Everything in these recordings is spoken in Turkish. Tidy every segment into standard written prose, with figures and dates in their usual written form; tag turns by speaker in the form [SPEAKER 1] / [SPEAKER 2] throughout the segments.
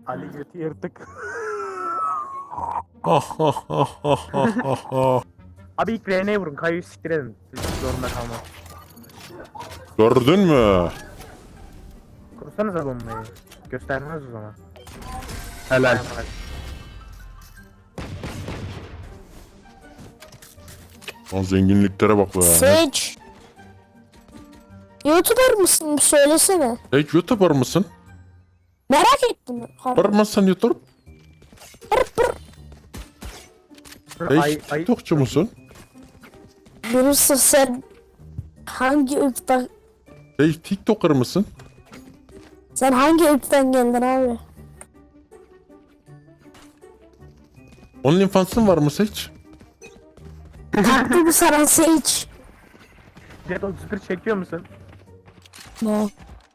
[SPEAKER 1] Ali götü yırtık. Abi ilk R'ye vurun. Kayıyı siktir edin. Zorunda kalmaz.
[SPEAKER 2] Gördün mü?
[SPEAKER 1] Kursanıza bombayı. Göstermez o zaman.
[SPEAKER 3] Helal.
[SPEAKER 2] Lan zenginliklere bak be.
[SPEAKER 4] Sage. YouTuber mısın? Bir söylesene.
[SPEAKER 2] Hey, YouTuber mısın?
[SPEAKER 4] Merak ettim.
[SPEAKER 2] Var mısın YouTube? Hey,
[SPEAKER 1] Ay,
[SPEAKER 2] TikTokçu musun?
[SPEAKER 4] Yunus'um sen hangi ırktan
[SPEAKER 2] Hey, TikToker mısın?
[SPEAKER 4] sen hangi ırktan geldin abi?
[SPEAKER 2] OnlyFans'ın var mı hiç?
[SPEAKER 4] Taktı mı sana Sage?
[SPEAKER 1] Jet 31 çekiyor musun?
[SPEAKER 4] No.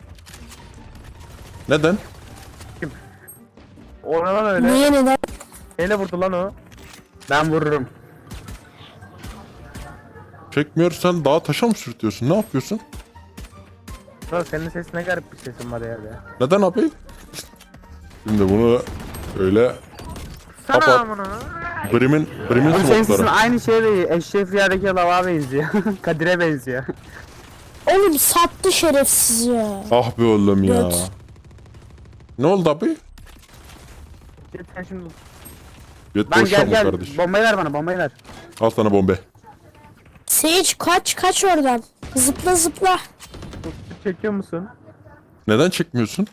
[SPEAKER 2] Neden?
[SPEAKER 1] Oradan öyle.
[SPEAKER 4] Niye neden?
[SPEAKER 1] Neyle vurdu lan o?
[SPEAKER 3] Ben vururum.
[SPEAKER 2] Çekmiyorsan dağa taşa mı sürtüyorsun? Ne yapıyorsun?
[SPEAKER 1] Lan senin sesin ne garip bir sesin var ya be.
[SPEAKER 2] Neden abi? Şimdi bunu öyle
[SPEAKER 1] Sana
[SPEAKER 2] Kapat.
[SPEAKER 1] amına.
[SPEAKER 3] Oğlum
[SPEAKER 2] Brim'in
[SPEAKER 3] senin sesin
[SPEAKER 2] smokları.
[SPEAKER 3] aynı şeye benziyor. Eşref Rüya'daki lava benziyor. Kadir'e benziyor.
[SPEAKER 4] Oğlum sattı şerefsiz ya.
[SPEAKER 2] Ah be oğlum ya.
[SPEAKER 4] Evet.
[SPEAKER 2] Ne oldu abi?
[SPEAKER 1] Jet sen şimdi
[SPEAKER 2] Yet
[SPEAKER 3] Ben
[SPEAKER 2] boş
[SPEAKER 3] gel
[SPEAKER 2] yapma
[SPEAKER 3] gel.
[SPEAKER 2] kardeş.
[SPEAKER 3] Bombayı ver bana, bombayı ver.
[SPEAKER 2] Al sana bombe.
[SPEAKER 4] Sage kaç oradan. Zıpla zıpla.
[SPEAKER 1] 31 çekiyor musun?
[SPEAKER 2] Neden çekmiyorsun?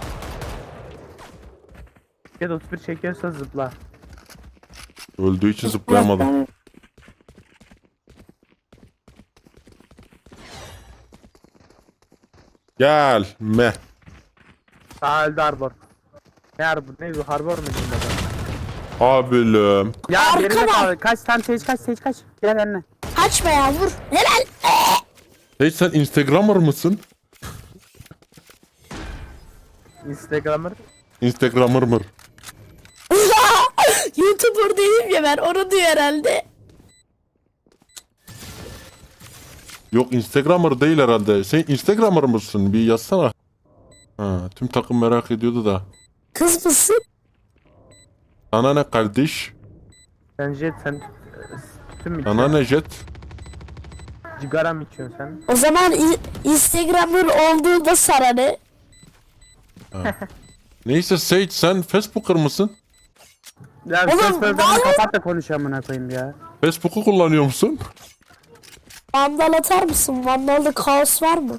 [SPEAKER 1] Jet 31 çekiyorsa zıpla.
[SPEAKER 2] Öldüğü için zıplayamadım. Gelme.
[SPEAKER 1] Sağ öldü Harbor. Ne Harbor? Ne bu? Harbor mu diyeyim ben?
[SPEAKER 2] Abilüm.
[SPEAKER 3] Ya
[SPEAKER 4] Arka
[SPEAKER 3] geride
[SPEAKER 4] var.
[SPEAKER 3] kal. Kaç tam Sage kaç. Gel önüne.
[SPEAKER 4] Kaçma ya vur. Helal.
[SPEAKER 2] Hey, sen Instagrammer mısın?
[SPEAKER 1] Instagram'ır.
[SPEAKER 2] Instagrammer mı?
[SPEAKER 4] YouTuber değilim ya ben onu diyor herhalde.
[SPEAKER 2] Yok, Instagrammer değil herhalde. Sen Instagrammer mısın? Bir yazsana. Ha, tüm takım merak ediyordu da.
[SPEAKER 4] Kız mısın?
[SPEAKER 2] Sana ne kardeş?
[SPEAKER 1] Sen Jet sen tüm mü
[SPEAKER 2] Sana
[SPEAKER 1] içiyorsun?
[SPEAKER 2] ne jet?
[SPEAKER 1] Cigara mı içiyorsun sen?
[SPEAKER 4] O zaman Instagram'ın olduğunda sana ne?
[SPEAKER 2] Neyse Sage, sen Facebooker mısın?
[SPEAKER 3] Ya
[SPEAKER 4] Oğlum,
[SPEAKER 3] ses programını
[SPEAKER 4] vallahi-
[SPEAKER 3] kapat da konuş amına koyayım ya.
[SPEAKER 2] Facebook'u kullanıyor musun?
[SPEAKER 4] Vandal atar mısın? Vandal'da kaos var mı?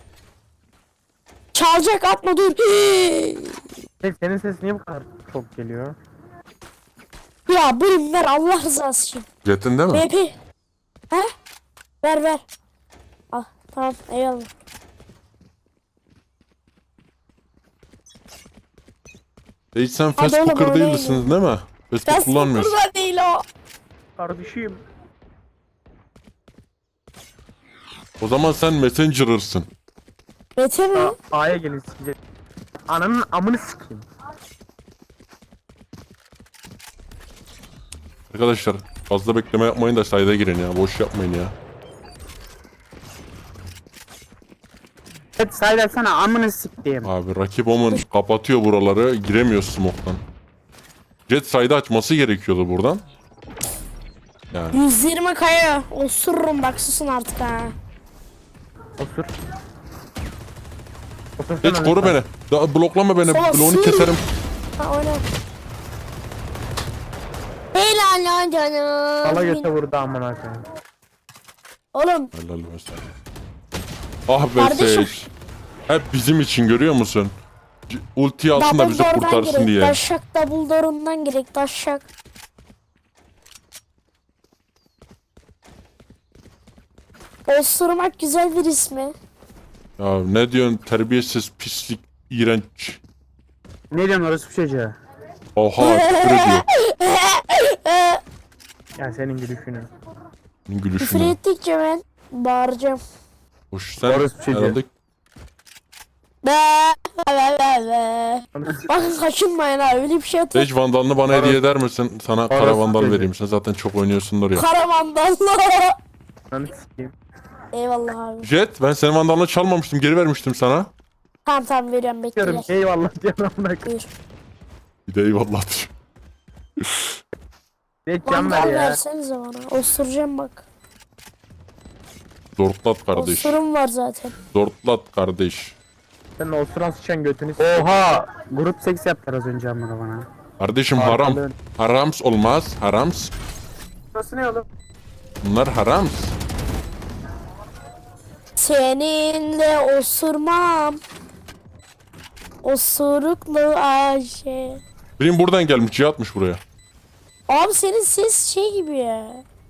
[SPEAKER 4] Çalacak atma dur.
[SPEAKER 1] Jet senin ses niye bu kadar çok geliyor?
[SPEAKER 4] Ya bölüm ver Allah rızası için.
[SPEAKER 2] Jet'in değil mi?
[SPEAKER 4] BP. He? Ver. Al tamam eyvallah.
[SPEAKER 2] Sage, sen
[SPEAKER 4] Hadi oğlum,
[SPEAKER 2] Facebooker
[SPEAKER 4] oynayın.
[SPEAKER 2] değilsin değil mi? Facebook kullanmıyorsun.
[SPEAKER 4] Facebook'ta değil o.
[SPEAKER 1] Kardeşim.
[SPEAKER 2] O zaman sen Messenger'ırsın.
[SPEAKER 4] Mete mi?
[SPEAKER 1] A'ya gelin sikecek. Ananın amını sikeyim.
[SPEAKER 2] Arkadaşlar fazla bekleme yapmayın da sayda girin ya. Boş yapmayın ya.
[SPEAKER 3] Evet say sana amını siktiğim.
[SPEAKER 2] Abi rakip Omen kapatıyor buraları. Giremiyor smoke'tan. Jet sayda açması gerekiyordu buradan. Yani
[SPEAKER 4] 120 kaya. Osururum bak susun artık ha.
[SPEAKER 1] Osur. Otursana
[SPEAKER 2] Jet koru
[SPEAKER 1] lütfen.
[SPEAKER 2] beni. Daha bloklama beni.
[SPEAKER 4] Sola
[SPEAKER 2] Bloğunu
[SPEAKER 4] sür.
[SPEAKER 2] keserim.
[SPEAKER 4] Ha oyna. Helal lan canım.
[SPEAKER 1] Sala göte vurdu amına koyayım.
[SPEAKER 4] Oğlum
[SPEAKER 2] Helal olsun. Ah be
[SPEAKER 4] Kardeşim.
[SPEAKER 2] Sage. Hep bizim için görüyor musun? Ulti alsın da bizi
[SPEAKER 4] Dumbledore'dan
[SPEAKER 2] kurtarsın
[SPEAKER 4] girek.
[SPEAKER 2] diye.
[SPEAKER 4] Taşak Dumbledore'undan girek. Taşak. Osurmak güzel bir ismi.
[SPEAKER 2] Ya ne diyorsun, terbiyesiz, pislik, iğrenç.
[SPEAKER 3] Ne diyorsun orası bir çocuğa?
[SPEAKER 2] Oha, küfür ediyor.
[SPEAKER 1] Ya senin gülüşünü.
[SPEAKER 2] Senin
[SPEAKER 4] Küfür
[SPEAKER 2] gülüşünü.
[SPEAKER 4] ettikçe ben bağıracağım.
[SPEAKER 2] Hoş, sen
[SPEAKER 3] Orası bir şey
[SPEAKER 2] herhalde
[SPEAKER 4] Be. Bakın kaçınmayın ha öyle bir şey atıyor.
[SPEAKER 2] Sage vandalını bana hediye eder misin? Sana kara
[SPEAKER 3] Orası
[SPEAKER 2] vandal
[SPEAKER 3] dedi.
[SPEAKER 2] vereyim. Sen zaten çok oynuyorsundur ya.
[SPEAKER 4] Kara mandalla.
[SPEAKER 1] Ananı sikeyim.
[SPEAKER 4] Eyvallah abi.
[SPEAKER 2] Jet, ben senin vandalını çalmamıştım. Geri vermiştim sana.
[SPEAKER 4] Tamam veriyorum bekle.
[SPEAKER 1] Diyorum eyvallah diyorum amına koyayım.
[SPEAKER 4] Buyur.
[SPEAKER 2] Bir de eyvallah diyor.
[SPEAKER 1] Jet can ver
[SPEAKER 4] Vandal
[SPEAKER 1] ya.
[SPEAKER 4] versenize bana. Osuracağım bak.
[SPEAKER 2] Zortlat kardeş.
[SPEAKER 4] Osurum var zaten.
[SPEAKER 2] Zortlat kardeş.
[SPEAKER 1] Sen osuran sıçan götünü
[SPEAKER 3] Oha! Grup seks yaptılar az önce amına bana.
[SPEAKER 2] Kardeşim haram.
[SPEAKER 1] Arkalığın.
[SPEAKER 2] Harams olmaz. Harams.
[SPEAKER 1] Burası ne oğlum?
[SPEAKER 2] Bunlar harams.
[SPEAKER 4] Seninle osurmam. Osuruklu Ayşe.
[SPEAKER 2] Benim buradan gelmiş. Cihatmış buraya.
[SPEAKER 4] Abi senin ses şey gibi ya.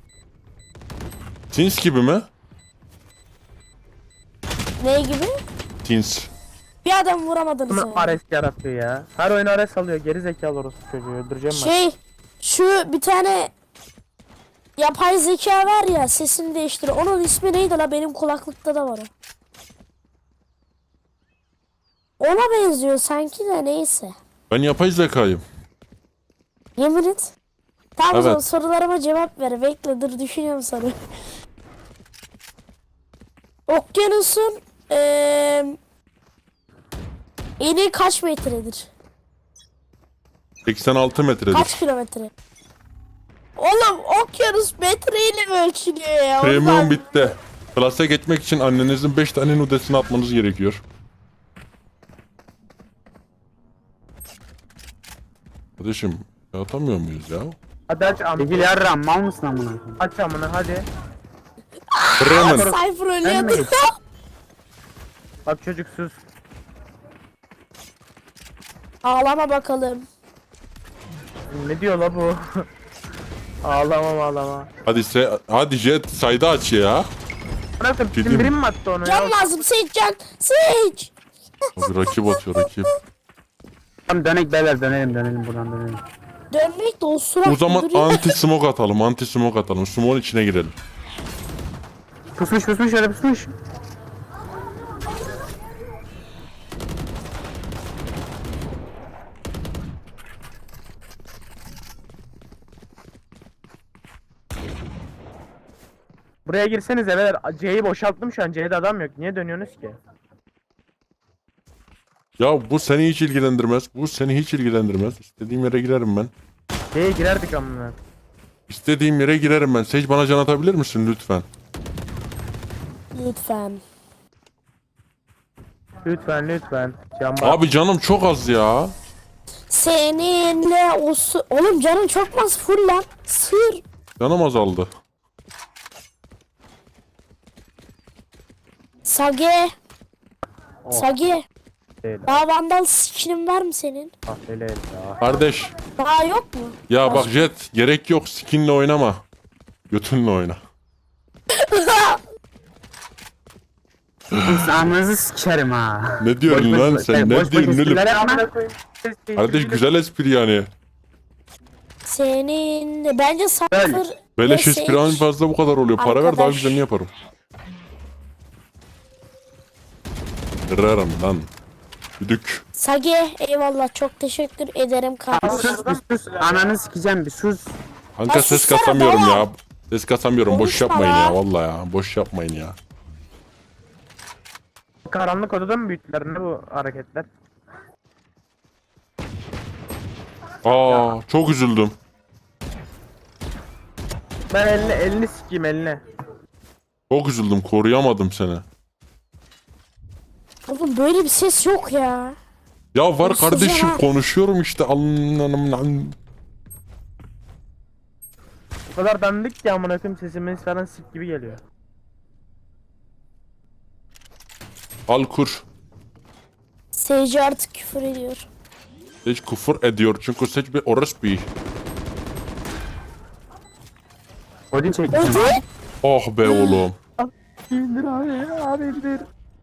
[SPEAKER 2] Tins gibi mi?
[SPEAKER 4] Ne gibi?
[SPEAKER 2] Tins.
[SPEAKER 4] Bir adam vuramadınız
[SPEAKER 1] Bunu
[SPEAKER 4] yani.
[SPEAKER 1] Ares yaratıyor ya. Her oyun Ares alıyor. Geri zekalı orası çocuğu. Öldüreceğim ben.
[SPEAKER 4] Şey, şu bir tane yapay zeka var ya, sesini değiştiriyor. Onun ismi neydi la? Benim kulaklıkta da var o. Ona benziyor sanki de, neyse.
[SPEAKER 2] Ben yapay zekayım.
[SPEAKER 4] Yemin et. Tamam o zaman
[SPEAKER 2] Evet.
[SPEAKER 4] sorularıma cevap ver. Bekle, dur düşünüyorum soru. Okyanusun eni kaç metredir?
[SPEAKER 2] 86 metredir.
[SPEAKER 4] Kaç kilometre? Oğlum okyanus metreyle mi ölçülüyor ya?
[SPEAKER 2] Premium
[SPEAKER 4] Ondan-
[SPEAKER 2] bitti. Klasa geçmek için annenizin 5 tane nudesini atmanız gerekiyor. Kardeşim atamıyor muyuz ya?
[SPEAKER 1] Hadi aç amına.
[SPEAKER 3] Çekil yarram mal mısın amına?
[SPEAKER 1] Aç amına hadi.
[SPEAKER 2] Bremen.
[SPEAKER 4] Cypher ölüyordu.
[SPEAKER 1] Ölmeyin. Bak çocuk sus.
[SPEAKER 4] Ağlama bakalım.
[SPEAKER 1] Ne diyor la bu? Ağlama ağlama.
[SPEAKER 2] Hadi Jet sayda aç ya.
[SPEAKER 1] Bırakın
[SPEAKER 2] Film.
[SPEAKER 1] bizim birim mi attı onu
[SPEAKER 4] Can
[SPEAKER 1] ya?
[SPEAKER 4] lazım, seç can. Seç.
[SPEAKER 2] Abi rakip atıyor rakip.
[SPEAKER 3] Tamam dönek beyler dönelim buradan dönelim.
[SPEAKER 4] Dönmek de o surat
[SPEAKER 2] O zaman
[SPEAKER 4] duruyor.
[SPEAKER 2] anti smoke atalım. Anti smoke atalım. Smoke'un içine girelim.
[SPEAKER 3] Pusmuş öyle pusmuş.
[SPEAKER 1] Buraya girsenize beyler. C'yi boşalttım şu an. C'de adam yok. Niye dönüyorsunuz ki?
[SPEAKER 2] Ya bu seni hiç ilgilendirmez. Bu seni hiç ilgilendirmez. İstediğim yere girerim ben.
[SPEAKER 1] C'ye girerdik amına.
[SPEAKER 2] İstediğim yere girerim ben. Sage bana can atabilir misin lütfen?
[SPEAKER 4] Lütfen.
[SPEAKER 1] Lütfen lütfen. Can bak.
[SPEAKER 2] Abi canım çok az ya.
[SPEAKER 4] Seninle o Oğlum canın çok mu az? Full lan. Sır.
[SPEAKER 2] Canım azaldı.
[SPEAKER 4] Sage.
[SPEAKER 1] Oh.
[SPEAKER 4] Sage.
[SPEAKER 1] Değil.
[SPEAKER 4] Daha vandal skinin var mı senin?
[SPEAKER 1] Ah öyle ya.
[SPEAKER 2] Kardeş.
[SPEAKER 4] Daha yok mu?
[SPEAKER 2] Ya bak Jet gerek yok. Skinle oynama. Götünle oyna.
[SPEAKER 3] Siz amınızı sikerim ha.
[SPEAKER 2] Ne diyorsun lan sen? Ne diyorsun oğlum?
[SPEAKER 1] Amına koyayım.
[SPEAKER 2] Kardeş güzel espri yani.
[SPEAKER 4] Senin bence Cypher
[SPEAKER 2] Beleş
[SPEAKER 4] ve
[SPEAKER 2] espri en
[SPEAKER 4] Sage.
[SPEAKER 2] fazla bu kadar oluyor. Para ver daha
[SPEAKER 4] Arkadaş.
[SPEAKER 2] güzelini yaparım. Kırarım lan. Düdük.
[SPEAKER 4] Sage eyvallah, çok teşekkür ederim kardeşim.
[SPEAKER 3] Sus bir sus. Ananı sikeceğim bir sus.
[SPEAKER 2] Kanka
[SPEAKER 4] Ya
[SPEAKER 2] ses
[SPEAKER 4] sussana,
[SPEAKER 2] kasamıyorum
[SPEAKER 4] tamam.
[SPEAKER 2] ya. Ses kasamıyorum. Boş
[SPEAKER 4] Konuşma
[SPEAKER 2] yapmayın
[SPEAKER 4] lan.
[SPEAKER 2] ya. Vallahi ya. Boş yapmayın ya.
[SPEAKER 1] Karanlık odada mı büyüttüler? Ne bu hareketler?
[SPEAKER 2] Aa çok üzüldüm.
[SPEAKER 1] Ben elini sikeyim eline.
[SPEAKER 2] Çok üzüldüm. Koruyamadım seni.
[SPEAKER 4] Oğlum böyle bir ses yok ya.
[SPEAKER 2] Ya var
[SPEAKER 4] Konuşacağım
[SPEAKER 2] kardeşim
[SPEAKER 4] ha.
[SPEAKER 2] konuşuyorum işte.
[SPEAKER 1] O kadar dandik ki amına koyayım sesimiz falan sik gibi geliyor.
[SPEAKER 2] Al kur.
[SPEAKER 4] Sage artık küfür ediyor.
[SPEAKER 2] Seç küfür ediyor çünkü seç bir orospu.
[SPEAKER 3] Odin çekeceğim.
[SPEAKER 4] Öde.
[SPEAKER 2] Oh be oğlum.
[SPEAKER 1] İndir abi indir.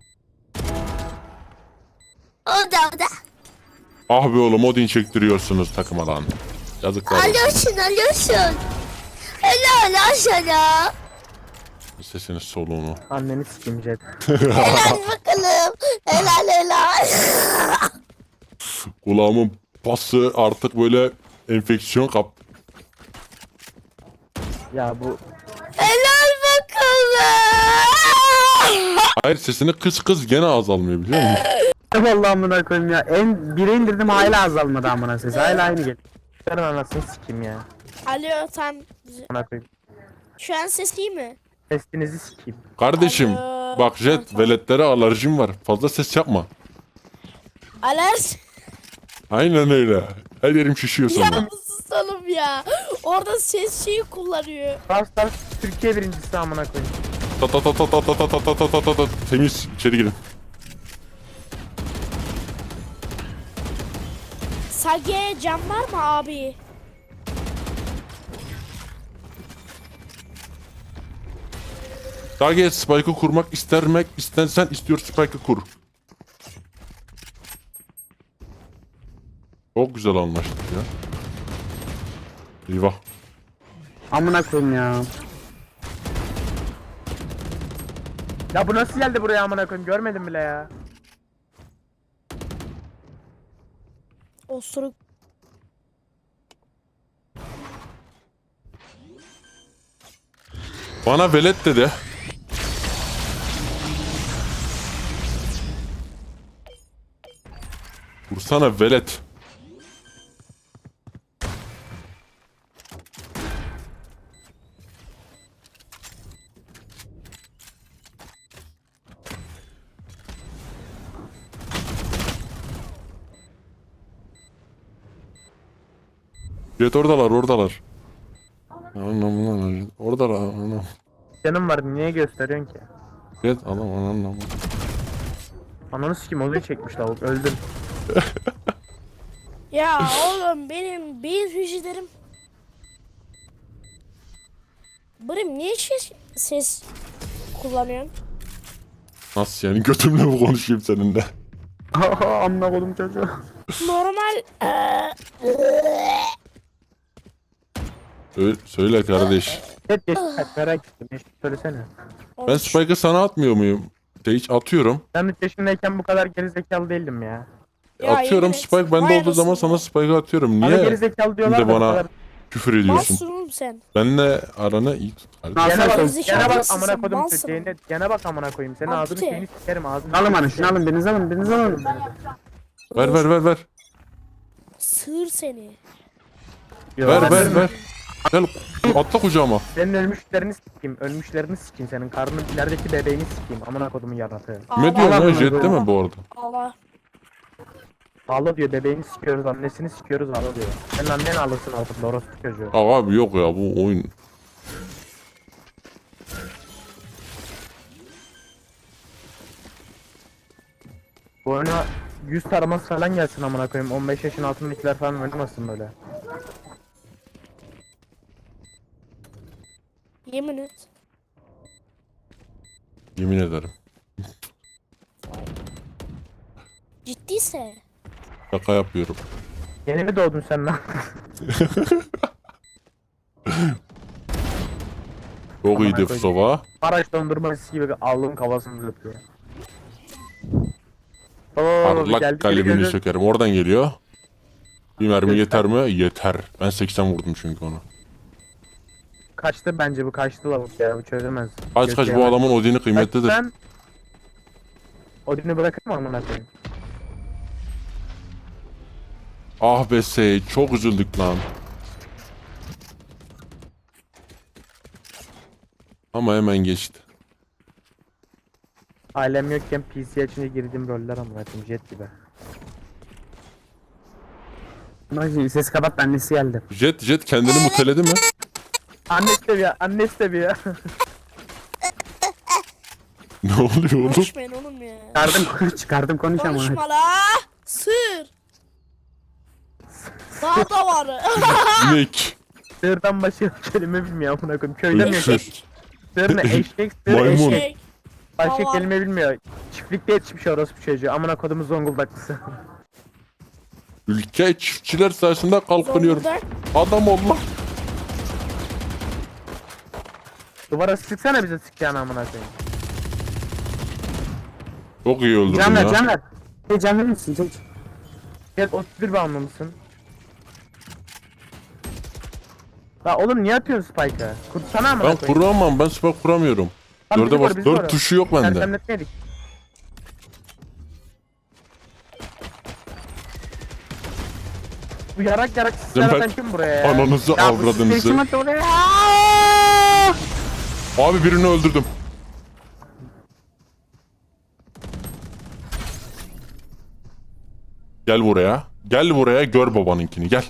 [SPEAKER 4] O da.
[SPEAKER 2] Ah be oğlum Odin çektiriyorsunuz takıma lan. Yazıklar olsun.
[SPEAKER 4] Alıyorsun. Helal lan sana.
[SPEAKER 2] Sesiniz soluğunu.
[SPEAKER 1] Anneni sikeyim Jet.
[SPEAKER 4] Helal bakalım. Helal.
[SPEAKER 2] Kulağımın pası artık böyle enfeksiyon kap.
[SPEAKER 1] Ya bu
[SPEAKER 4] Helal bakalım.
[SPEAKER 2] Hayır sesini kız gene azalmıyor biliyor musun?
[SPEAKER 3] Vallahi amına koyayım ya. Bire indirdim hala azalmadı amına sesi. Hala aynı geliyor.
[SPEAKER 1] Ben anasını sikeyim ya.
[SPEAKER 4] Alo tam.
[SPEAKER 1] Amına koyayım.
[SPEAKER 4] Şu an ses iyi mi?
[SPEAKER 1] Sesinizi sikeyim.
[SPEAKER 2] Kardeşim
[SPEAKER 4] Alo.
[SPEAKER 2] bak Jet veletlere alerjim var. Fazla ses yapma.
[SPEAKER 4] Alers.
[SPEAKER 2] Aynen öyle. Her yerim şişiyor
[SPEAKER 4] Ya
[SPEAKER 2] sonra.
[SPEAKER 4] susalım ya. Orada ses şeyi kullanıyor.
[SPEAKER 1] Brawl Stars Türkiye birincisi amına koyayım.
[SPEAKER 2] Ta ta ta ta ta ta ta ta ta ta ta ta. Temiz içeri girin.
[SPEAKER 4] Sage cam var mı abi?
[SPEAKER 2] Target Spike'ı kurmak istersen istiyor Spike'ı kur. Çok güzel anlaştık ya. Eyvah.
[SPEAKER 3] Amına koyayım ya.
[SPEAKER 1] Ya bu nasıl geldi buraya amına koyayım? Görmedim bile ya.
[SPEAKER 4] Osuruk.
[SPEAKER 2] Bana velet dedi. Vursana velet. Jet oradalar. Anam oradalar anam.
[SPEAKER 1] Canım var niye gösteriyorsun ki?
[SPEAKER 2] Jet anam.
[SPEAKER 1] Ananı sikeyim olayı çekmiş lavuk öldüm.
[SPEAKER 4] Ya oğlum benim beyin hücrelerim. Bırım niye ses kullanıyorsun?
[SPEAKER 2] Nasıl yani götümle mi konuşayım seninle?
[SPEAKER 3] Amına koydum çocuğu.
[SPEAKER 4] Normal
[SPEAKER 2] Söyle kardeş.
[SPEAKER 1] Hep geç merak ettim. Hiç söylesene.
[SPEAKER 2] Ben Spike'ı sana atmıyor muyum? Hiç atıyorum.
[SPEAKER 1] Ben 3 yaşındayken bu kadar gerizekalı değildim ya.
[SPEAKER 4] Ya
[SPEAKER 2] Atıyorum
[SPEAKER 4] yemin et.
[SPEAKER 2] Spike bende
[SPEAKER 4] Vay
[SPEAKER 2] olduğu zaman
[SPEAKER 4] anasını
[SPEAKER 2] sana
[SPEAKER 4] ya.
[SPEAKER 2] Spike'ı atıyorum.
[SPEAKER 1] Bana
[SPEAKER 2] Niye
[SPEAKER 1] gerizekalı diyorlar
[SPEAKER 2] şimdi
[SPEAKER 1] da bu
[SPEAKER 2] bana
[SPEAKER 1] kadar.
[SPEAKER 2] küfür ediyorsun?
[SPEAKER 4] Malsın oğlum sen.
[SPEAKER 2] Benle aranı iyi tut. kardeşim.
[SPEAKER 3] Nasıl
[SPEAKER 1] Gene bak,
[SPEAKER 3] söz?
[SPEAKER 1] gene bak
[SPEAKER 4] Gerizekalı
[SPEAKER 1] amına
[SPEAKER 4] mısın?
[SPEAKER 1] koydum
[SPEAKER 4] Malsın.
[SPEAKER 1] Türkiye'ne. Gene bak amına koyayım. Senin ağzını
[SPEAKER 4] Abdi.
[SPEAKER 1] şeyini sikerim ağzını.
[SPEAKER 3] Alın bana şunu alın biriniz alın.
[SPEAKER 2] Ver.
[SPEAKER 4] Sığır seni.
[SPEAKER 2] Ver. Gel atla kucağıma.
[SPEAKER 1] Senin ölmüşlerini sikeyim. Ölmüşlerini sikeyim senin. Karnın ilerideki bebeğini sikeyim. Amına kodumun yaratığı.
[SPEAKER 2] Ne diyorsun
[SPEAKER 3] Allah
[SPEAKER 2] ya Jet
[SPEAKER 3] Allah.
[SPEAKER 2] değil mi bu arada?
[SPEAKER 4] Allah.
[SPEAKER 1] Ağla diyor bebeğini sikiyoruz annesini sikiyoruz ağla diyor. Senin annen ağlasın altında orospu çocuğu.
[SPEAKER 2] Abi yok ya bu oyun.
[SPEAKER 1] Bu oyuna 100 taraması falan gelsin amına koyayım. 15 yaşın altındakiler falan oynamasın böyle.
[SPEAKER 4] Yemin et.
[SPEAKER 2] Yemin ederim.
[SPEAKER 4] Ciddiyse.
[SPEAKER 2] Şaka yapıyorum.
[SPEAKER 1] Yeni mi doğdun sen lan?
[SPEAKER 2] Çok
[SPEAKER 1] Aman
[SPEAKER 2] iyiydi
[SPEAKER 1] koyayım.
[SPEAKER 2] Fusova.
[SPEAKER 1] Araç dondurması gibi ağlığın kafasını öpüyor.
[SPEAKER 2] Parlak kalbini sökerim. Oradan geliyor. Bir mermi yeter mi? Yeter. Ben 80 vurdum çünkü onu.
[SPEAKER 1] Kaçtı bence bu kaçtı lavuk ya bu çözemez.
[SPEAKER 2] Kaç bu
[SPEAKER 1] Götüremez.
[SPEAKER 2] adamın Odin'i kıymetlidir.
[SPEAKER 1] Ben Odin'i bırakır mı amına koyayım?
[SPEAKER 2] Ah be Sey çok üzüldük lan. Ama hemen geçti.
[SPEAKER 1] Ailem yokken PC açınca girdiğim roller amına koyayım jet gibi.
[SPEAKER 3] Bak ses kapat annesi geldi.
[SPEAKER 2] Jet kendini muteledi mi?
[SPEAKER 1] Annesi de bir annesi de bir
[SPEAKER 2] Ne oluyor oğlum?
[SPEAKER 4] Konuşmayın oğlum ya.
[SPEAKER 3] Çıkardım konuş ama.
[SPEAKER 4] Konuşma la. Sığır. Daha da var.
[SPEAKER 2] İnek.
[SPEAKER 1] Sığırdan başka kelime bilmiyor amına koyayım. Köyde mi yaşıyor?
[SPEAKER 2] Eşek.
[SPEAKER 1] Sığır ne eşek sığır
[SPEAKER 2] Maymun.
[SPEAKER 1] eşek.
[SPEAKER 4] Şey,
[SPEAKER 1] Başka
[SPEAKER 4] Hava.
[SPEAKER 1] kelime bilmiyor. Çiftlikte yetişmiş orospu çocuğu. Amına kodumun Zonguldaklısı.
[SPEAKER 2] Ülke çiftçiler sayesinde kalkınıyor.
[SPEAKER 4] Zonguldak.
[SPEAKER 2] Adam ol lan.
[SPEAKER 1] Duvara sıksana bize sıkacağını amına koyayım.
[SPEAKER 2] Çok iyi öldürdün
[SPEAKER 3] Can ver
[SPEAKER 2] ya.
[SPEAKER 3] can ver. Can verir misin? Can.
[SPEAKER 1] Jet 31 bağımlı mısın? La oğlum niye atıyorsun Spike'ı? Kursana amına
[SPEAKER 2] Ben
[SPEAKER 1] koyayım.
[SPEAKER 2] kuramam. Ben spike kuramıyorum.
[SPEAKER 1] Lan bizi
[SPEAKER 2] Dörde
[SPEAKER 1] koru,
[SPEAKER 2] bas.
[SPEAKER 1] bizi
[SPEAKER 2] 4
[SPEAKER 1] koru.
[SPEAKER 2] tuşu yok bende.
[SPEAKER 1] Sersemletmedik. Bu yarak yarak sizler
[SPEAKER 2] Ben-
[SPEAKER 1] atan kim buraya ya?
[SPEAKER 2] Ananızı
[SPEAKER 3] Ya bu
[SPEAKER 2] avradınızı.
[SPEAKER 3] kim attı oraya?
[SPEAKER 2] Abi birini öldürdüm. Gel buraya. Gel buraya gör babanınkini gel.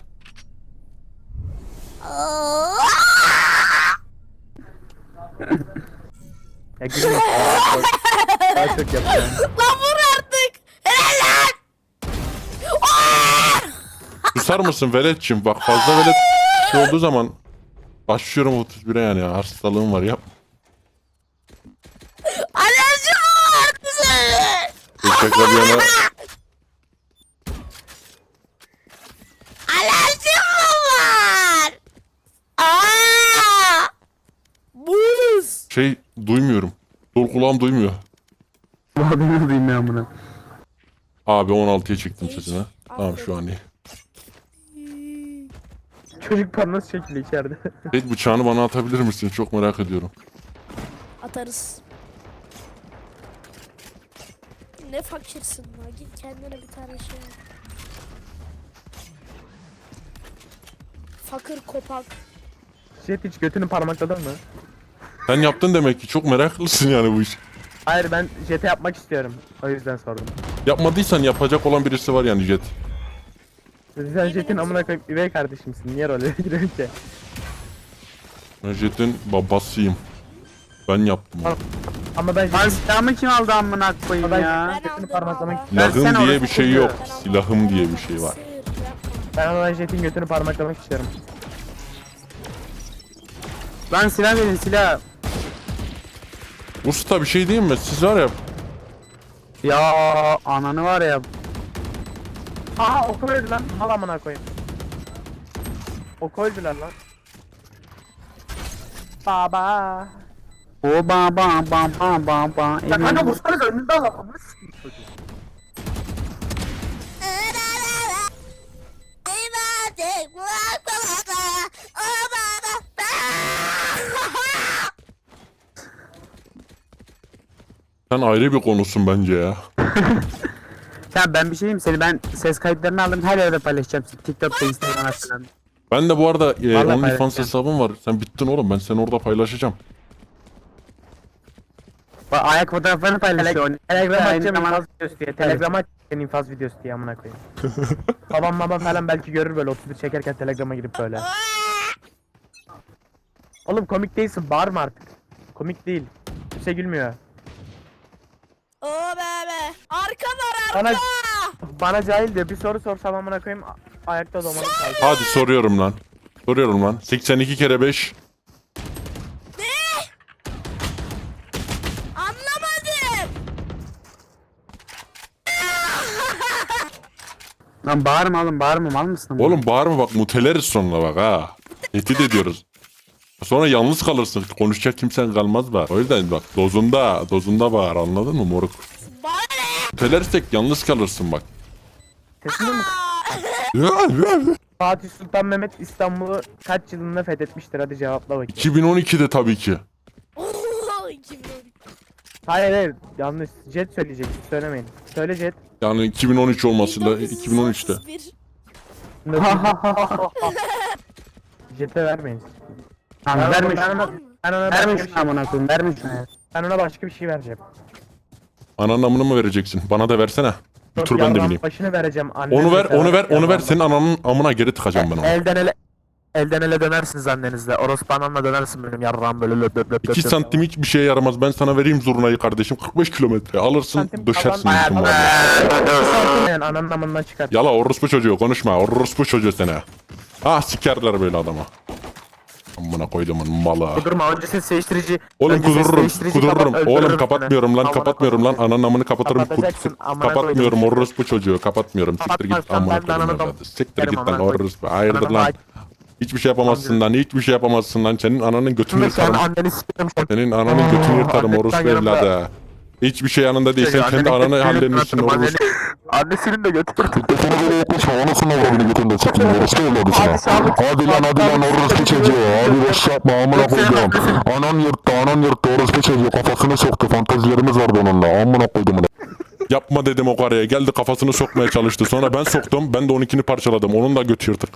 [SPEAKER 1] Ya gülme. Daha çok yapacağım.
[SPEAKER 4] Lan vur artık. Helal lan.
[SPEAKER 2] Susar mısın veletçim? Bak fazla velet şey olduğu zaman başlıyorum 31'e yani ya. Hastalığım var yap.
[SPEAKER 4] Alerjim var bize.
[SPEAKER 2] Şaka bir yana
[SPEAKER 4] Alerjim var. Aa! Buz.
[SPEAKER 2] şey duymuyorum. Sol kulağım duymuyor.
[SPEAKER 3] Adını bilmiyorum bunu.
[SPEAKER 2] Abi 16'ya çektim sesini. Tamam şu an iyi.
[SPEAKER 1] Çocuk parması çekili içeride.
[SPEAKER 2] Evet bıçağını bana atabilir misin? Çok merak ediyorum.
[SPEAKER 4] Atarız. Ne fakirsin lan. Git kendine bir tane şey al. Fakir kopak.
[SPEAKER 1] Jet hiç götünü parmakladın mı?
[SPEAKER 2] Sen yaptın demek ki çok meraklısın yani bu iş.
[SPEAKER 1] Hayır ben Jet'e yapmak istiyorum. O yüzden sordum.
[SPEAKER 2] Yapmadıysan yapacak olan birisi var yani Jet.
[SPEAKER 1] Sen Jet'in amına koyup üvey kardeşimsin. Niye role giriyorsun ki?
[SPEAKER 2] Ben Jet'in babasıyım. Ben yaptım onu.
[SPEAKER 1] Ama ben
[SPEAKER 3] Lan
[SPEAKER 1] Jet'in
[SPEAKER 3] silahımı kim aldı amına koyayım
[SPEAKER 1] Ben-
[SPEAKER 3] ya?
[SPEAKER 1] götünü parmaklamak
[SPEAKER 3] Ben-
[SPEAKER 2] Silahım
[SPEAKER 3] sen
[SPEAKER 2] diye
[SPEAKER 3] orası
[SPEAKER 2] bir şey yok.
[SPEAKER 3] kokuyor.
[SPEAKER 2] Silahım diye bir şey var.
[SPEAKER 1] Ben ona Jet'in götünü parmaklamak istiyorum.
[SPEAKER 3] Lan silah verin silah.
[SPEAKER 2] Usta bir şey diyeyim mi? Siz var ya
[SPEAKER 3] Ya ananı var ya.
[SPEAKER 1] Aha oku öldü lan. Al amına koyayım. Oku öldüler lan. Baba.
[SPEAKER 3] O ba ba ba ba ba ba.
[SPEAKER 1] Ya kanka vursana önünde al amına s**eyim çocuğu.
[SPEAKER 2] sen ayrı bir konusun bence ya.
[SPEAKER 3] Ya ben bir şey diyeyim seni ben ses kayıtlarını aldım her yerde paylaşacağım. TikTok'ta Instagram'da falan.
[SPEAKER 2] Ben de bu arada
[SPEAKER 3] Vallahi
[SPEAKER 2] OnlyFans
[SPEAKER 3] paylaşacağım.
[SPEAKER 2] hesabım var. Sen bittin oğlum. Ben seni orada paylaşacağım.
[SPEAKER 3] Bak ayak fotoğraflarını paylaşıyor.
[SPEAKER 1] Telegram
[SPEAKER 3] Aynı
[SPEAKER 1] açacağım
[SPEAKER 3] zamanda-
[SPEAKER 1] infaz videosu diye. Telegram açacağım infaz videosu diye amına koyayım. Babam baba falan belki görür böyle 31 çekerken Telegram'a girip böyle. Oğlum komik değilsin bağırma artık. Komik değil. Kimse gülmüyor.
[SPEAKER 4] O bebe. Arka var arka.
[SPEAKER 1] Bana bana cahil diyor. Bir soru sorsam amına koyayım ayakta domanı kaldı.
[SPEAKER 2] Hadi soruyorum lan. Soruyorum lan. 82 kere 5.
[SPEAKER 4] Anlamadım.
[SPEAKER 3] Lan bağırma oğlum bağırma mal mısın?
[SPEAKER 2] Oğlum bağırma bak muteleriz sonra bak ha. Tehdit ediyoruz. Sonra yalnız kalırsın. Konuşacak kimsen kalmaz bak. O yüzden bak dozunda bağır anladın mı moruk?
[SPEAKER 4] Bana ne?
[SPEAKER 2] Mutelersek yalnız kalırsın bak.
[SPEAKER 1] Sesini mi? Fatih Sultan Mehmet İstanbul'u kaç yılında fethetmiştir? Hadi cevapla bakayım.
[SPEAKER 2] 2012'de tabii ki.
[SPEAKER 4] Oo, 2012.
[SPEAKER 1] Hayır yanlış. Jet söyleyecek. Siz söylemeyin. Söyle Jet.
[SPEAKER 2] Yani 2013 olmasıyla 2013'te.
[SPEAKER 4] 1931.
[SPEAKER 1] Jet'e vermeyin.
[SPEAKER 3] Lan vermiş.
[SPEAKER 1] Ben ona başka bir
[SPEAKER 3] Vermiş
[SPEAKER 1] şey,
[SPEAKER 3] amına koyayım vermiş ya.
[SPEAKER 1] ben ona başka bir şey vereceğim.
[SPEAKER 2] Ananın amını mı vereceksin? Bana da versene. Bir tur ben de
[SPEAKER 1] Yarrağın
[SPEAKER 2] bineyim.
[SPEAKER 1] Başını vereceğim. Annem
[SPEAKER 2] Onu ver,
[SPEAKER 1] mesela
[SPEAKER 2] onu ver, onu ver.
[SPEAKER 1] yarrağın
[SPEAKER 2] Senin ananın amına geri tıkacağım ben onu.
[SPEAKER 1] Elden ele dönersiniz annenizle. Orospu anamla dönersin benim yarrağım böyle löp löp löp
[SPEAKER 2] 2
[SPEAKER 1] löp.
[SPEAKER 2] santim hiçbir şeye yaramaz. Ben sana vereyim zurnayı kardeşim. 45 kilometre. Alırsın
[SPEAKER 1] Santim
[SPEAKER 2] döşersin
[SPEAKER 1] kalan-
[SPEAKER 2] bütün mahalleyi.
[SPEAKER 1] Yani ananın amından çıkar.
[SPEAKER 2] Yala orospu çocuğu konuşma. Orospu çocuğu sene. Ah sikerler böyle adama. Amına koyduğumun malı.
[SPEAKER 1] Durma önce ses değiştirici.
[SPEAKER 2] Oğlum
[SPEAKER 1] önce ses
[SPEAKER 2] kudururum.
[SPEAKER 1] değiştirici
[SPEAKER 2] Kudururum.
[SPEAKER 1] kapat, öldürürüm
[SPEAKER 2] Oğlum
[SPEAKER 1] seni.
[SPEAKER 2] kapatmıyorum lan.
[SPEAKER 1] Amına
[SPEAKER 2] Kapatmıyorum lan.
[SPEAKER 1] koyayım.
[SPEAKER 2] Ananın amını kapatırım.
[SPEAKER 1] Kapatacaksın, amına
[SPEAKER 2] Kapatmıyorum
[SPEAKER 1] koydum.
[SPEAKER 2] orospu çocuğu. Kapatmıyorum. Siktir git
[SPEAKER 1] Kapatmazsan
[SPEAKER 2] amına
[SPEAKER 1] ben de ananı
[SPEAKER 2] koydum.
[SPEAKER 1] dom-
[SPEAKER 2] Siktir git
[SPEAKER 1] Amına
[SPEAKER 2] lan
[SPEAKER 1] koydum.
[SPEAKER 2] orospu. Hayırdır
[SPEAKER 1] Ananı
[SPEAKER 2] lan.
[SPEAKER 1] bak-
[SPEAKER 2] Hiçbir şey yapamazsın lan. Hiçbir şey yapamazsın lan. Senin ananın götünü
[SPEAKER 1] Sen
[SPEAKER 2] yırtarım.
[SPEAKER 1] anneni s**erim şu an.
[SPEAKER 2] Senin ananın götünü yırtarım
[SPEAKER 1] Annetten
[SPEAKER 2] orospu
[SPEAKER 1] yanımda.
[SPEAKER 2] evladı. Hiçbir şey yanında değil. Sen kendi
[SPEAKER 1] Annenin
[SPEAKER 2] ananı
[SPEAKER 1] götünü
[SPEAKER 2] hallenmişsin
[SPEAKER 1] yırtarım,
[SPEAKER 2] orospu.
[SPEAKER 1] Annesinin de götürdüm.
[SPEAKER 5] Telefonu böyle yaklaşma, anasını avradını götünde çekeyim, orospu evladı sana. Hadi lan orospu çocuğu, hadi boş yapma, amına koydum. Anan yırttı, orospu çocuğu, kafasını soktu, fantezilerimiz vardı onunla, amına koydum.
[SPEAKER 2] Yapma dedim o karıya. Geldi kafasını sokmaya çalıştı. Sonra ben soktum. Ben de onunkini parçaladım. Onun da götü yırtık.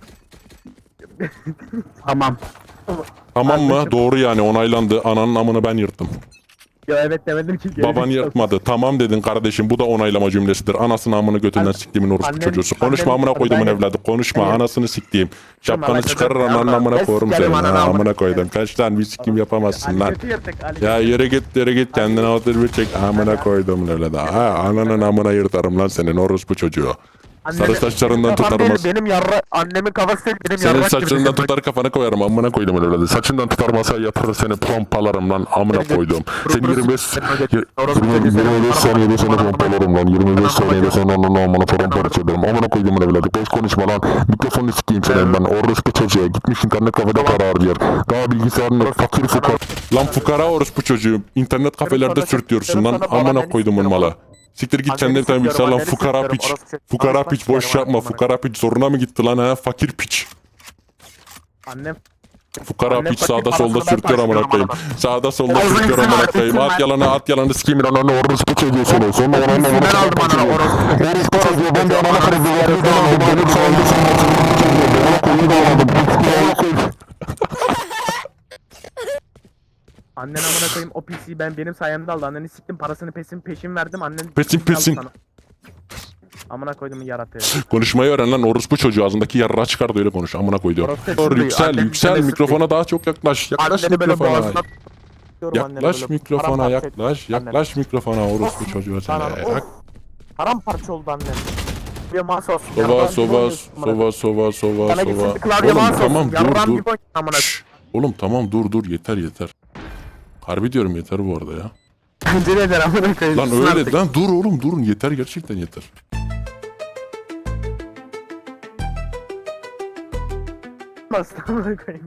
[SPEAKER 3] Tamam.
[SPEAKER 2] Tamam mı?
[SPEAKER 1] Kardeşim.
[SPEAKER 2] Doğru yani onaylandı. Ananın amını ben yırttım.
[SPEAKER 1] Ya evet demedim ki. geri
[SPEAKER 2] Baban
[SPEAKER 1] zekalı.
[SPEAKER 2] yırtmadı. Tamam dedin kardeşim. Bu da onaylama cümlesidir. Anasını amını götünden
[SPEAKER 1] Annem-
[SPEAKER 2] siktiğimin orospu
[SPEAKER 1] annem-
[SPEAKER 2] çocuğusu. Konuşma
[SPEAKER 1] annem-
[SPEAKER 2] amına koydumun
[SPEAKER 1] ben-
[SPEAKER 2] evladı. Konuşma
[SPEAKER 1] ben-
[SPEAKER 2] anasını siktiğim. Şapkanı
[SPEAKER 1] alakası
[SPEAKER 2] çıkarır
[SPEAKER 1] yok ya.
[SPEAKER 2] ananın amına
[SPEAKER 1] Ben
[SPEAKER 2] koyarım
[SPEAKER 1] sikerim
[SPEAKER 2] seni.
[SPEAKER 1] ananı
[SPEAKER 2] Ha,
[SPEAKER 1] amına
[SPEAKER 2] amına koydum.
[SPEAKER 1] koyarım.
[SPEAKER 2] Kaç lan bir sikim yapamazsın
[SPEAKER 1] Ali
[SPEAKER 2] lan.
[SPEAKER 1] götü yırtık. Ali
[SPEAKER 2] Ya
[SPEAKER 1] götü.
[SPEAKER 2] yere git kendine otur bir çek. Amına koydum evladı. Ha ananın amına yırtarım lan senin orospu çocuğu.
[SPEAKER 1] Annemi-
[SPEAKER 2] Sarı saçlarından
[SPEAKER 1] Kafam
[SPEAKER 2] tutarım.
[SPEAKER 1] değil, benim yarra annemin kafası değil, benim
[SPEAKER 2] Senin
[SPEAKER 1] yarrak gibi
[SPEAKER 2] saçlarından
[SPEAKER 1] dedim.
[SPEAKER 2] tutar kafana koyarım amına koydum evladı. Saçından tutar masaya yatırır seni pompalarım lan amına koydum. Seni 25
[SPEAKER 5] 25 saniyede seni pompalarım lan. 25 saniyede seni ananı amına paramparça ederim. Amına koyduğumun evladı. Boş konuşma lan. Mikrofonu sikeyim senin ben. Orospu çocuğa. Gitmiş internet kafede para harcıyor. Daha bilgisayarını fakir fukar.
[SPEAKER 2] Lan fukara orospu çocuğu. İnternet kafelerde
[SPEAKER 1] sana-
[SPEAKER 2] sürtüyorsun lan.
[SPEAKER 1] sana
[SPEAKER 2] amına
[SPEAKER 1] anneni
[SPEAKER 2] koydumun
[SPEAKER 1] sikiyorum,
[SPEAKER 2] malı. Siktir git
[SPEAKER 1] Anneni
[SPEAKER 2] kendine bir tane
[SPEAKER 1] sikiyorum,
[SPEAKER 2] bilgisayar lan
[SPEAKER 1] anneni
[SPEAKER 2] fukara
[SPEAKER 1] sikiyorum,
[SPEAKER 2] piç.
[SPEAKER 1] orospu çocuğu.
[SPEAKER 2] Fukara
[SPEAKER 1] Konuşmak
[SPEAKER 2] piç boş
[SPEAKER 1] istiyorum,
[SPEAKER 2] yapma.
[SPEAKER 1] amına
[SPEAKER 2] Fukara piç zoruna mı gitti lan ha? Fakir piç.
[SPEAKER 1] Annem
[SPEAKER 2] Fukara
[SPEAKER 1] Annem
[SPEAKER 2] piç
[SPEAKER 1] fakir
[SPEAKER 2] sağda
[SPEAKER 1] parasını
[SPEAKER 2] solda
[SPEAKER 1] ben
[SPEAKER 2] sürtüyor amına
[SPEAKER 1] taşıyorum
[SPEAKER 2] koyayım.
[SPEAKER 1] amına.
[SPEAKER 2] Sağda solda
[SPEAKER 3] Ağzını
[SPEAKER 2] sürtüyor
[SPEAKER 3] kırma,
[SPEAKER 2] amına koyayım.
[SPEAKER 3] kırma.
[SPEAKER 2] At yalanı sikeyim.
[SPEAKER 5] Ananı orospu çocuğu seni. Sonra ananı amına
[SPEAKER 1] ben aldım
[SPEAKER 5] paramparça
[SPEAKER 1] ananı
[SPEAKER 5] ederim.
[SPEAKER 1] orospu.
[SPEAKER 5] Orospu çocuğu ben de ananı kırdım. Yapıyordum aldım. Benim sayemde sen Amına koyduğumu da alamadım. Amına koyayım.
[SPEAKER 1] Annen amına koyayım o PC'yi benim sayemde aldı. Anneni siktim parasını peşin verdim. Annen
[SPEAKER 2] Peşin.
[SPEAKER 1] aldı sana. Amına koyduğumun yaratığı.
[SPEAKER 2] Konuşmayı öğren lan orospu çocuğu. Ağzındaki yarrağı çıkar da öyle konuş. Amına koyduğum.
[SPEAKER 1] Orospu
[SPEAKER 2] Doğru
[SPEAKER 1] çocuğu,
[SPEAKER 2] yüksel
[SPEAKER 1] annem
[SPEAKER 2] yüksel.
[SPEAKER 1] demesi
[SPEAKER 2] Mikrofona daha çok yaklaş. Yaklaş
[SPEAKER 1] Anneni böyle
[SPEAKER 2] mikrofona.
[SPEAKER 1] boğazına tutuyorum, anneni
[SPEAKER 2] Yaklaş
[SPEAKER 1] böyle
[SPEAKER 2] mikrofona
[SPEAKER 1] paramparça
[SPEAKER 2] yaklaş.
[SPEAKER 1] ettim
[SPEAKER 2] Yaklaş mikrofona orospu çocuğu sen.
[SPEAKER 1] anneni. Of. Paramparça oldu annem. Bir masa olsun.
[SPEAKER 2] Sova
[SPEAKER 1] yarrağın gibi
[SPEAKER 2] sova
[SPEAKER 1] oynuyorsun amına.
[SPEAKER 2] sova
[SPEAKER 1] Sana gitsin
[SPEAKER 2] sova.
[SPEAKER 1] bir klavye
[SPEAKER 2] Oğlum
[SPEAKER 1] mouse
[SPEAKER 2] tamam
[SPEAKER 1] olsun. Yarrağın
[SPEAKER 2] dur
[SPEAKER 1] gibi oynuyorsun amına.
[SPEAKER 2] Şşş. Oğlum tamam dur yeter. Harbi diyorum yeter bu arada ya.
[SPEAKER 3] Bence de eder amına koyayım.
[SPEAKER 2] Lan
[SPEAKER 3] Sus
[SPEAKER 2] öyle
[SPEAKER 3] artık.
[SPEAKER 2] lan dur oğlum durun yeter gerçekten yeter.
[SPEAKER 1] Bastı amına koyayım.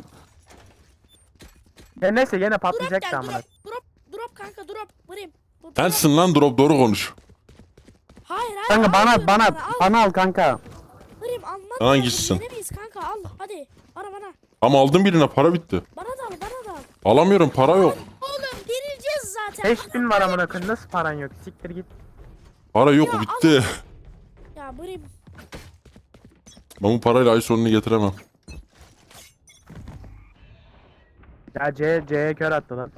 [SPEAKER 1] Ya neyse gene
[SPEAKER 4] Drop
[SPEAKER 1] patlayacak da
[SPEAKER 4] gel
[SPEAKER 1] amına.
[SPEAKER 4] drop kanka drop. Vurayım. Dur,
[SPEAKER 2] Sensin lan drop doğru konuş.
[SPEAKER 4] Hayır
[SPEAKER 3] Kanka
[SPEAKER 4] al
[SPEAKER 3] bana
[SPEAKER 4] al.
[SPEAKER 3] bana al kanka.
[SPEAKER 4] Vurayım anlat.
[SPEAKER 2] Hangisisin?
[SPEAKER 4] Yenemeyiz kanka al hadi. Bana.
[SPEAKER 2] Ama aldım birine para bitti.
[SPEAKER 4] Bana da al.
[SPEAKER 2] Alamıyorum para yok.
[SPEAKER 4] Oğlum dirileceğiz zaten.
[SPEAKER 1] 5000 var amına koyayım nasıl paran yok siktir git.
[SPEAKER 2] Para yok bitti.
[SPEAKER 4] Ya vurayım.
[SPEAKER 2] Ben bu parayla ay sonunu getiremem.
[SPEAKER 1] Ya C'ye kör attı lan.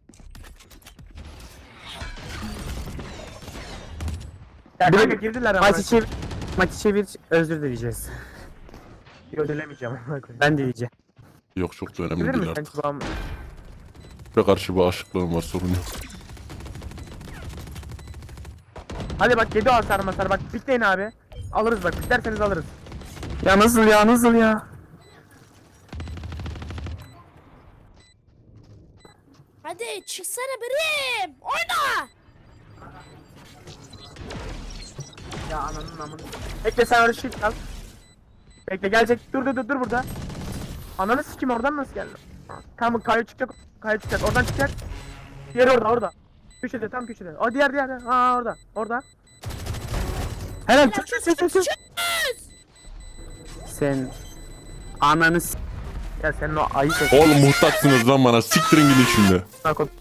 [SPEAKER 1] Ya kanka girdiler ama.
[SPEAKER 3] Maçı çevir özür dileyeceğiz.
[SPEAKER 1] Ödelemeyeceğim amına koyayım.
[SPEAKER 3] Ben dileyeceğim.
[SPEAKER 2] Yok çok da önemli
[SPEAKER 1] Bilir
[SPEAKER 2] değil
[SPEAKER 1] misin
[SPEAKER 2] artık.
[SPEAKER 1] sen kulağım?
[SPEAKER 2] Ve karşı bir aşıklığım var sorun yok.
[SPEAKER 1] Hadi bak 7 hasar masar bak pikleyin abi. Alırız bak piklerseniz alırız.
[SPEAKER 3] Ya nasıl ya?
[SPEAKER 4] Hadi çıksana birim. Oyna.
[SPEAKER 1] Ya ananın amını. Bekle sen öyle shift al. Bekle gelecek. Dur burada. Ananı sikim oradan nasıl geldi? Tamam kayo çıkacak. Oradan çıkacak. Diğeri orada. Köşede tam köşede. O diğer. Ha orada.
[SPEAKER 3] Helal
[SPEAKER 4] Çık.
[SPEAKER 3] Sen ananı s-
[SPEAKER 1] Ya senin o ayı sesi.
[SPEAKER 2] Oğlum muhtaçsınız lan bana siktirin gidin şimdi.
[SPEAKER 1] Bak o